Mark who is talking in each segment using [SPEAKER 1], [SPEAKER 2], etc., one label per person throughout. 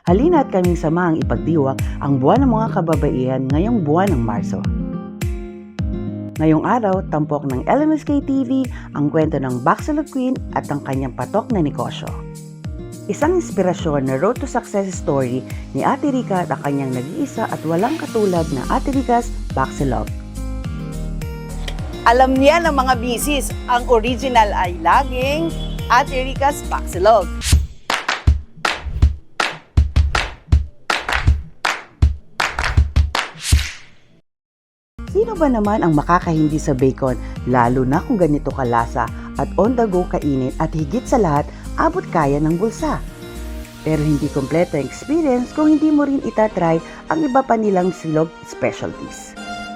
[SPEAKER 1] Halina't kaming samahang ipagdiwang ang buwan ng mga kababaihan ngayong buwan ng Marso. Ngayong araw, tampok ng LMSK TV ang kwento ng Baxilog Queen at ang kanyang patok na negosyo. Isang inspirasyon na road to success story ni Ate Rica at ang kanyang nag-iisa at walang katulad na Ate Rica's Baxilog.
[SPEAKER 2] Alam niya ng mga bisis, ang original ay laging Ate Rica's Baxilog.
[SPEAKER 1] Sino ba naman ang makakahindi sa bacon, lalo na kung ganito kalasa at on the go kainin at higit sa lahat, abot kaya ng bulsa? Pero hindi kompleto ang experience kung hindi mo rin itatry ang iba pa nilang silog specialties.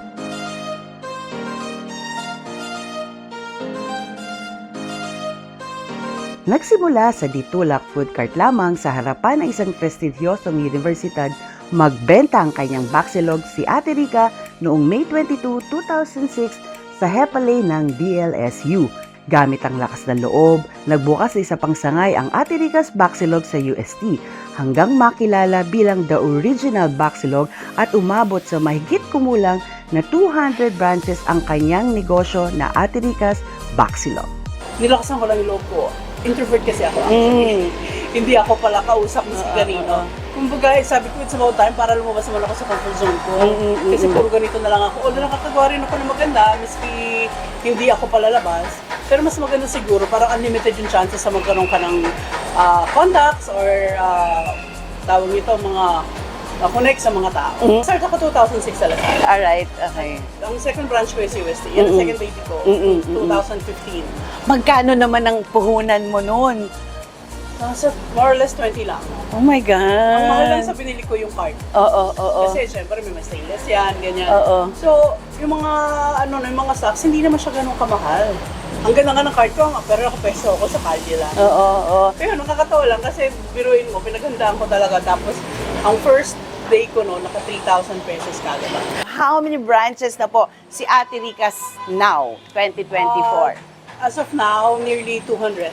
[SPEAKER 1] Nagsimula sa ditulak food cart lamang sa harapan ng isang prestigyosong universidad, magbenta ang kanyang Baxilog si Ate Rica noong May 22, 2006 sa Hepalay ng DLSU. Gamit ang lakas ng loob, nagbukas sa isa pang sangay ang Ate Rica's Baxilog sa UST hanggang makilala bilang the original Baxilog at umabot sa mahigit kumulang na 200 branches ang kanyang negosyo na Ate Rica's Baxilog.
[SPEAKER 3] Nilakasan ko lang yung loob ko. Introvert kasi ako actually. Hindi ako pala kausap ni Sigarino. Kumbaga, sabi ko, it's about time para lumabas naman ako sa comfort zone ko. Kasi puro ganito na lang ako. Although nakakagawa rin ako ng maganda, miski hindi ako palalabas. Pero mas maganda siguro, parang unlimited yung chances sa magkaroon ka ng contacts or tawag nito, mga connect sa mga tao. Start ako 2006 sa Lasal.
[SPEAKER 2] Alright, okay.
[SPEAKER 3] Ang second branch ko is UST. Yan ang second baby ko, 2015.
[SPEAKER 2] Magkano naman ang puhunan mo noon?
[SPEAKER 3] Nasa more or less 20 lang.
[SPEAKER 2] Oh my God!
[SPEAKER 3] Ang mahal lang sa binili ko yung card.
[SPEAKER 2] Oo.
[SPEAKER 3] Kasi syempre may mga stainless yan, ganyan.
[SPEAKER 2] Oo.
[SPEAKER 3] So, yung mga yung mga stocks, hindi naman siya ganun kamahal. Ang ganda nga ng card ko, pero ako peso ako sa kalye lang.
[SPEAKER 2] Oo.
[SPEAKER 3] Pero nakakatawa lang kasi biruin mo, pinaghandaan ko talaga. Tapos, ang first day ko no, naka 3,000 pesos kagad lang.
[SPEAKER 2] How many branches na po si Ate Rica's now, 2024?
[SPEAKER 3] As of now, nearly 200.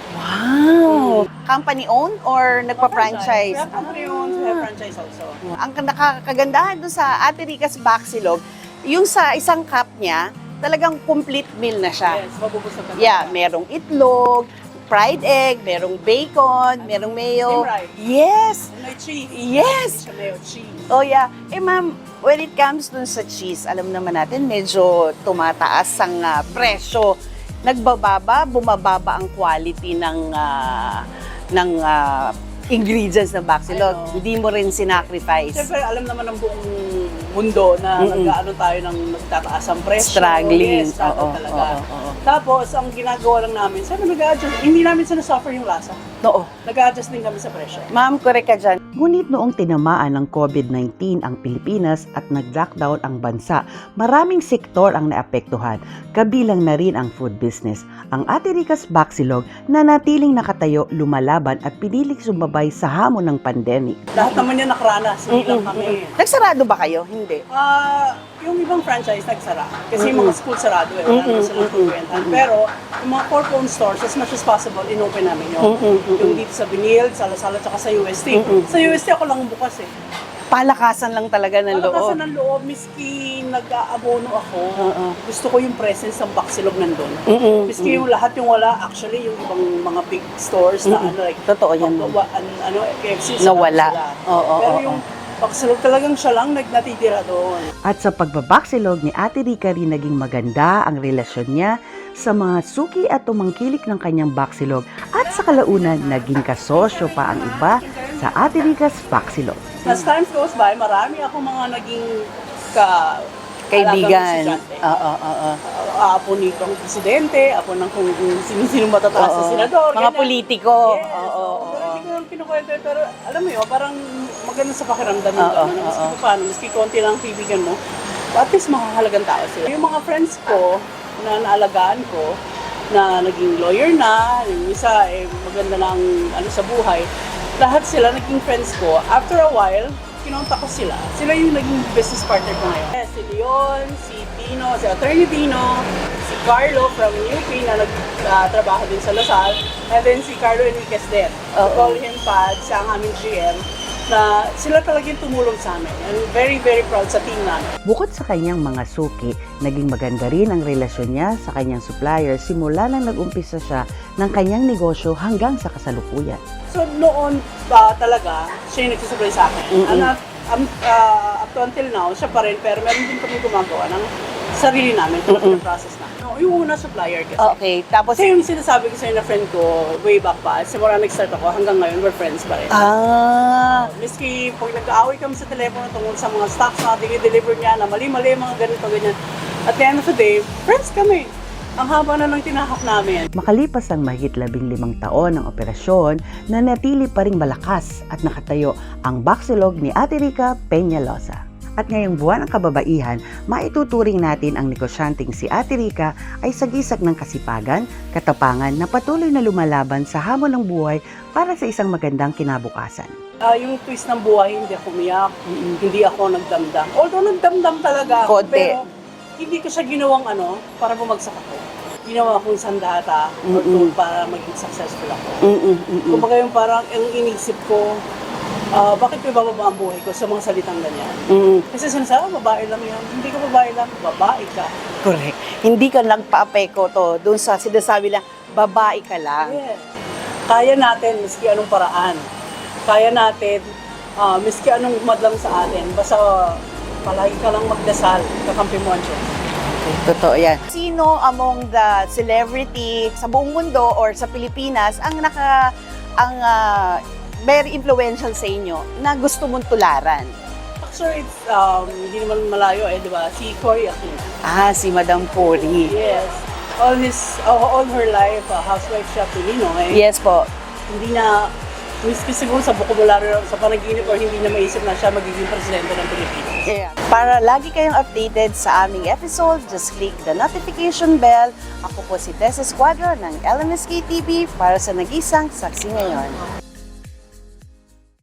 [SPEAKER 2] Wow! Company owned or nagpa-franchise?
[SPEAKER 3] We have company owned, we have franchise also.
[SPEAKER 2] Ang nakakagandahan doon sa Ate Rica's Baxilog, yung sa isang cup niya, talagang complete meal na siya.
[SPEAKER 3] Yes, mabubusog ka.
[SPEAKER 2] Yeah, merong itlog, fried egg, merong bacon, merong mayo.
[SPEAKER 3] Steam rice.
[SPEAKER 2] Yes!
[SPEAKER 3] May cheese.
[SPEAKER 2] Yes!
[SPEAKER 3] Hindi siya mayo, cheese.
[SPEAKER 2] Oh yeah. Eh ma'am, when it comes dun sa cheese, alam naman natin medyo tumataas ang presyo. Nagbababa, bumababa ang quality ng ingredients ng Baxilog. Hindi mo rin sinacrifice.
[SPEAKER 3] Siyempre, alam naman ng buong mundo na nag-ano tayo ng nagtataas ang presyo.
[SPEAKER 2] Struggling.
[SPEAKER 3] Yes, struggle
[SPEAKER 2] Oo,
[SPEAKER 3] talaga.
[SPEAKER 2] oo.
[SPEAKER 3] Tapos, ang ginagawa lang namin, sabi nag-a-adjust, hindi namin sinasuffer yung lasa.
[SPEAKER 2] Oo.
[SPEAKER 3] Nag-a-adjust din kami sa presyo.
[SPEAKER 2] Ma'am, correct ka dyan.
[SPEAKER 1] Ngunit noong tinamaan ng COVID-19 ang Pilipinas at nag-lockdown ang bansa, maraming sektor ang naapektuhan, kabilang na rin ang food business. Ang Ate Rica's Baxilog na natiling nakatayo, lumalaban at piniling sumabay sa hamon ng pandemic.
[SPEAKER 3] Lahat naman yan nakaranas, hindi lang kami.
[SPEAKER 2] Nagsarado ba kayo? Hindi.
[SPEAKER 3] Yung ibang franchise nagsara. Kasi yung mga school sarado eh. Wala naman silang pagkwentan. Pero yung mga corporate stores, as much as possible, inopen namin yun. Yung dito sa Binil, sa Lasal, at saka sa UST. Sa UST ako lang bukas eh.
[SPEAKER 2] Palakasan lang talaga ng loob.
[SPEAKER 3] Palakasan ng loob, miski nag-aabono ako, gusto ko yung presence ng Baxilog nandun. Miski yung lahat yung wala, actually yung ibang mga big stores na like,
[SPEAKER 2] Totoo yan.
[SPEAKER 3] KFC,
[SPEAKER 2] Nawala.
[SPEAKER 3] sila.
[SPEAKER 2] Oo,
[SPEAKER 3] Pero
[SPEAKER 2] oo,
[SPEAKER 3] yung Baxilog talagang siya lang natitira doon.
[SPEAKER 1] At sa pagbabaxilog ni Ate Rica rin naging maganda ang relasyon niya sa mga suki at tumangkilik ng kanyang Baxilog at sa kalaunan naging kasosyo pa ang iba sa Ate Rica's Baxilog.
[SPEAKER 3] As time goes by, marami ako mga naging
[SPEAKER 2] Kaibigan.
[SPEAKER 3] estudyante.
[SPEAKER 2] Oo.
[SPEAKER 3] Apo nitong presidente, apo ng kung sino matataas sa senador.
[SPEAKER 2] Mga
[SPEAKER 3] ganyan.
[SPEAKER 2] politiko.
[SPEAKER 3] Yes,
[SPEAKER 2] Oo.
[SPEAKER 3] pero hindi ko lang kinukwento. Pero alam mo yun, parang maganda sa pakiramdam yung gano'n. Maski paano, maski konti lang ang kaibigan mo, at least makahalagang tao sila. Yung mga friends ko na naalagaan ko, na naging lawyer na, yung isa maganda na ang sa buhay, lahat sila naging friends ko. After a while, kinontak ko sila. Sila yung naging business partner ko ngayon. Si Leon, si Dino, si Attorney Dino, si Carlo from UP na nagtrabaho din sa Lasal, and then si Carlo Enriquez din. We call him Pad, siya ang aming GM. na sila talagang tumulong sa amin. I'm very, very proud sa team namin.
[SPEAKER 1] Bukod sa kanyang mga suki, naging maganda rin ang relasyon niya sa kanyang supplier simula nang nag-umpisa siya ng kanyang negosyo hanggang sa kasalukuyan.
[SPEAKER 3] So noon pa talaga, siya yung nagsusupply sa akin. Up to until now, siya pa rin, pero meron din kami gumagawa ng sarili namin, process namin. No, yung una supplier kasi.
[SPEAKER 2] Okay, tapos...
[SPEAKER 3] Kasi yung sinasabi ko sa'yo na friend ko, way back pa, simula nag-start ako, hanggang ngayon, we're friends pa rin. Miski pag nag-aaway kami sa telepono tungkol sa mga stocks na dinideliver niya, na mali-mali, mga ganito, ganyan. At the end of the day, friends kami. Ang haba na ng tinahak namin.
[SPEAKER 1] Makalipas ang mahigit 15 taon ng operasyon, nanatili pa ring malakas at nakatayo ang Baxilog ni Ate Rica Peñalosa. At ngayong buwan ng kababaihan, maituturing natin ang negosyanteng si Ate Rica ay sagisag ng kasipagan, katapangan na patuloy na lumalaban sa hamon ng buhay para sa isang magandang kinabukasan.
[SPEAKER 3] Yung twist ng buhay, hindi ako umiyak, hindi ako nagdamdam. Although nagdamdam talaga ako,
[SPEAKER 2] Konti.
[SPEAKER 3] pero hindi ko siya ginawang para bumagsak ako. Ginawa akong sandata or tool para maging successful ako. Kumbaga yung parang ang inisip ko, bakit ko ibababa ang buhay ko sa mga salitang ganyan? Kasi sinasabi, babae lang yan. Hindi ka babae lang, babae ka.
[SPEAKER 2] Correct. Hindi ka nagpa-apeko to doon sa sinasabi lang, babae ka lang.
[SPEAKER 3] Yeah. Kaya natin, miski anong paraan. Kaya natin, miski anong madlam sa atin. Basta palagi ka lang magdasal, kakampi mo ang Diyos.
[SPEAKER 2] Totoo yan. Sino among the celebrity sa buong mundo or sa Pilipinas ang very influential sa inyo na gusto mong tularan?
[SPEAKER 3] Actually, it's, hindi naman malayo di ba? Si Cory Aquino.
[SPEAKER 2] Si Madam Cory.
[SPEAKER 3] Yes. All her life, housewife siya, Pilino.
[SPEAKER 2] Yes po.
[SPEAKER 3] Hindi na, miski siguro sa bokabularyo, sa panaginip, or hindi na maisip na siya magiging presidente ng Pilipinas.
[SPEAKER 2] Yeah. Para lagi kayong updated sa aming episode, just click the notification bell. Ako po si Tess Esquadro ng LMSK TV para sa Nag-Isang Saksi Ngayon.